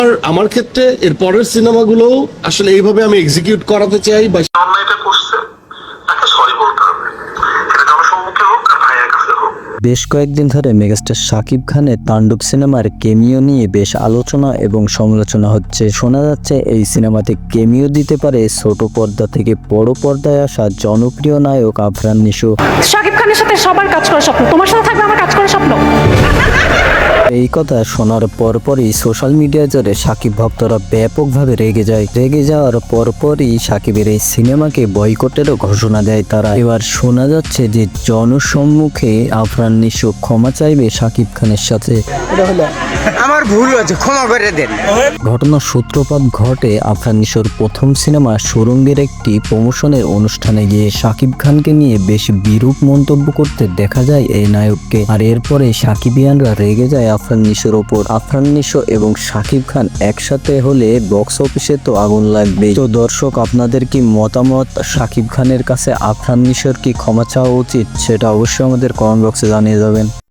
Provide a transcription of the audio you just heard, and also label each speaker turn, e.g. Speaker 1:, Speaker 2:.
Speaker 1: আর আমার ক্ষেত্রে এর পরের সিনেমাগুলো আসলে এইভাবে আমি এক্সিকিউট করাতে চাই বা
Speaker 2: অন্যায়টা করছে তাকে সরি বলতে হবে, এটা জনসম্মুখে হোক আর ভাইয়ের কাছে হোক।
Speaker 3: বেশ কয়েকদিন ধরে মেগাস্টার শাকিব খানের তাণ্ডব সিনেমার কেমিও নিয়ে বেশ আলোচনা এবং সমালোচনা হচ্ছে। শোনা যাচ্ছে এই সিনেমাতে কেমিও দিতে পারে ছোট পর্দা থেকে বড় পর্দায় আসা জনপ্রিয় নায়ক আফরান নিশো।
Speaker 4: শাকিব খানের সাথে সবার কাজ করার স্বপ্ন, তোমার সাথে থাকবে আমার কাজ করার স্বপ্ন।
Speaker 3: এই কথা শোনার পরপরই সোশ্যাল মিডিয়া জুড়ে শাকিব ভক্তরা ব্যাপকভাবে রেগে যায়। রেগে যাওয়ার পরপরই শাকিবের এই সিনেমাকে বয়কটেরও ঘোষণা দেয় তারা। এবার শোনা যাচ্ছে যে জনসম্মুখে আফরান নিশো ক্ষমা চাইবে শাকিব খানের সাথে।
Speaker 5: আমার ভুল হয়েছে, ক্ষমা করে দেন।
Speaker 3: ঘটনার সূত্রপাত ঘটে আফরান নিশোর প্রথম সিনেমা সুরঙ্গের একটি প্রমোশনের অনুষ্ঠানে গিয়ে শাকিব খানকে নিয়ে বেশ বিরূপ মন্তব্য করতে দেখা যায় এই নায়ককে। আর এরপরে শাকিবিয়ানরা রেগে যায় আফরান নিশোর ওপর। আফরান নিশো এবং শাকিব খান একসাথে হলে বক্স অফিসে তো আগুন লাগবে। তো দর্শক, আপনাদের কি মতামত? শাকিব খানের কাছে আফরান নিশোর কি ক্ষমা চাওয়া উচিত? সেটা অবশ্যই আমাদের কমেন্ট বক্সে জানিয়ে যাবেন।